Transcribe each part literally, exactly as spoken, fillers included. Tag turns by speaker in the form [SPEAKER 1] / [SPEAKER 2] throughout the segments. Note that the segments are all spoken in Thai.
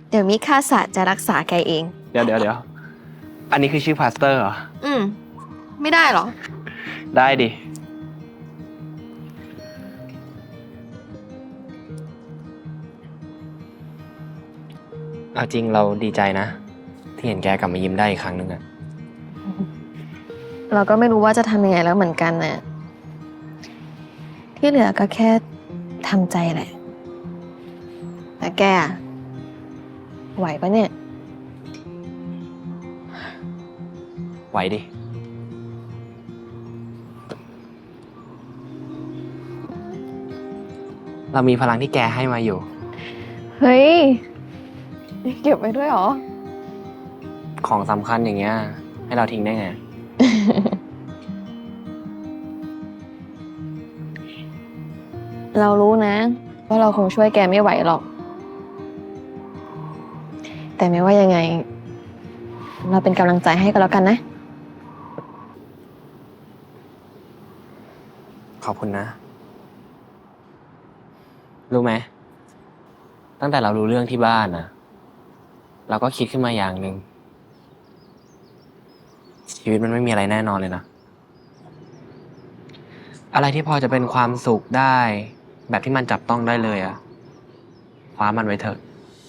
[SPEAKER 1] เดี๋ยวมิคาศาสตร์จะรักษาแกเอง
[SPEAKER 2] เดี๋ยวเดี๋ยวเดี๋ยวอันนี้คือชื่อพาสเตอร์เหรอ
[SPEAKER 1] อืม ไม่ได้หรอ
[SPEAKER 2] ได้ดิ เอาจริงเราดีใจนะ ที่เห็นแกกลับมายิ้มได้อีกครั้งหนึ่งอะ
[SPEAKER 1] เราก็ไม่รู้ว่าจะทำยังไงแล้วเหมือนกันน่ะ ที่เหลือก็แค่ทำใจแหละ แต่แกอะไหวปะเนี่ย
[SPEAKER 2] ไหวดิ เรามีพลังที่แกให้มาอยู่
[SPEAKER 1] เฮ้ย เก็บไว้ด้วยเหรอ
[SPEAKER 2] ของสำคัญอย่างเงี้ย ให้เราทิ้งได้ไง
[SPEAKER 1] เรารู้นะ ว่าเราคงช่วยแกไม่ไหวหรอก แต่ไม่ว่ายังไง เราเป็นกำลังใจให้ก็แล้วกันนะ
[SPEAKER 2] ขอบคุณนะ รู้ไหม ตั้งแต่เรารู้เรื่องที่บ้านนะเราก็คิดขึ้นมาอย่างหนึ่ง ชีวิตมันไม่มีอะไรแน่นอนเลยนะ อะไรที่พอจะเป็นความสุขได้ แบบที่มันจับต้องได้เลยอะคว้ามันไว้เถอะ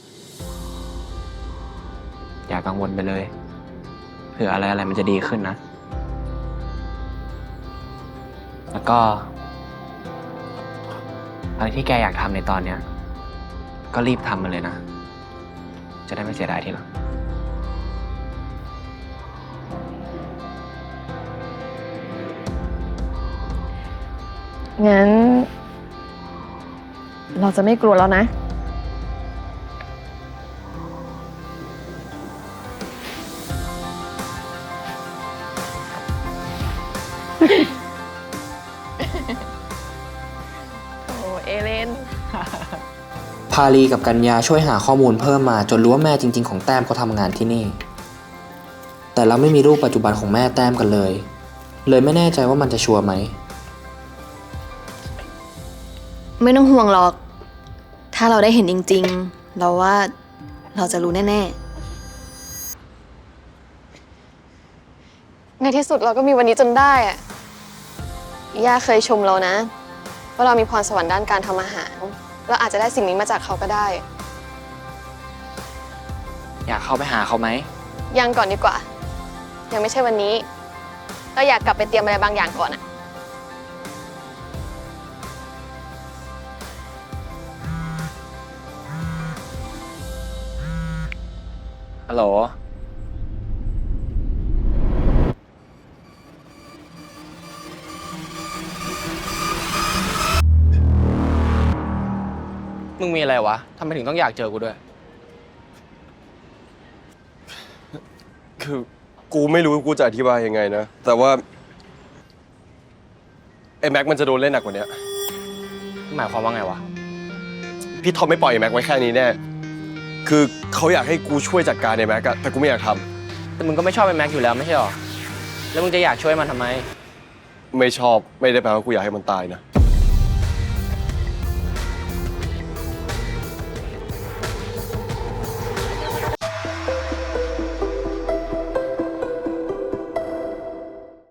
[SPEAKER 2] อย่ากังวลไปเลย เผื่ออะไรอะไรมันจะดีขึ้นนะ แล้วก็ อะไรที่แกอยากทำในตอนเนี้ย ก็รีบทำมันเลยนะ จะได้ไม่เสียดายทีหลัง
[SPEAKER 1] งั้น เราจะไม่กลัวแล้วนะ โอ้เอเลน
[SPEAKER 3] พาลีกับกัญญาช่วยหาข้อมูลเพิ่มมาจนรู้ว่าแม่จริงๆของแต้มเขาทำงานที่นี่ แต่เราไม่มีรูปปัจจุบันของแม่แต้มกันเลย เลยไม่แน่ใจว่ามันจะชัวร์ไหม
[SPEAKER 1] ไม่ต้องห่วงหรอก ถ้าเราได้เห็นจริงๆ เราว่าเราจะรู้แน่ๆ ในที่สุดเราก็มีวันนี้จนได้อะย่าเคยชมเรานะ ว่าเรามีพรสวรรค์ด้านการทำอาหารเราอาจจะได้สิ่งนี้มาจากเขาก็ได้
[SPEAKER 2] อยากเข้าไปหาเขาไหม
[SPEAKER 1] ยังก่อนดีกว่า ยังไม่ใช่วันนี้ เราอยากกลับไปเตรียมอะไรบางอย่างก่อนอะ
[SPEAKER 2] ฮัลโหล มึงมีอะไรวะ ทำไมถึงต้องอยากเจอกูด้วย
[SPEAKER 4] คือกูไม่รู้กูจะอธิบายยังไงนะ แต่ว่าไอ้แม็กมันจะโดนเล่นหนักกว่านี้
[SPEAKER 2] หมายความว่าไงวะ
[SPEAKER 4] พี่ทอมไม่ปล่อยไอ้แม็กไว้แค่นี้แน่ คือเขาอยากให้กูช่วยจัดการไอ้แม็กอะแต่กูไม่อยากท
[SPEAKER 2] แต่มึงก็ไม่ชอบไอ้แม็กอยู่แล้วไม่ใช่หรอ แล้วมึงจะอยากช่วยมันทำไม
[SPEAKER 4] ำไม่ชอบไม่ได้แปลว่ากูอยากให้มันตายนะ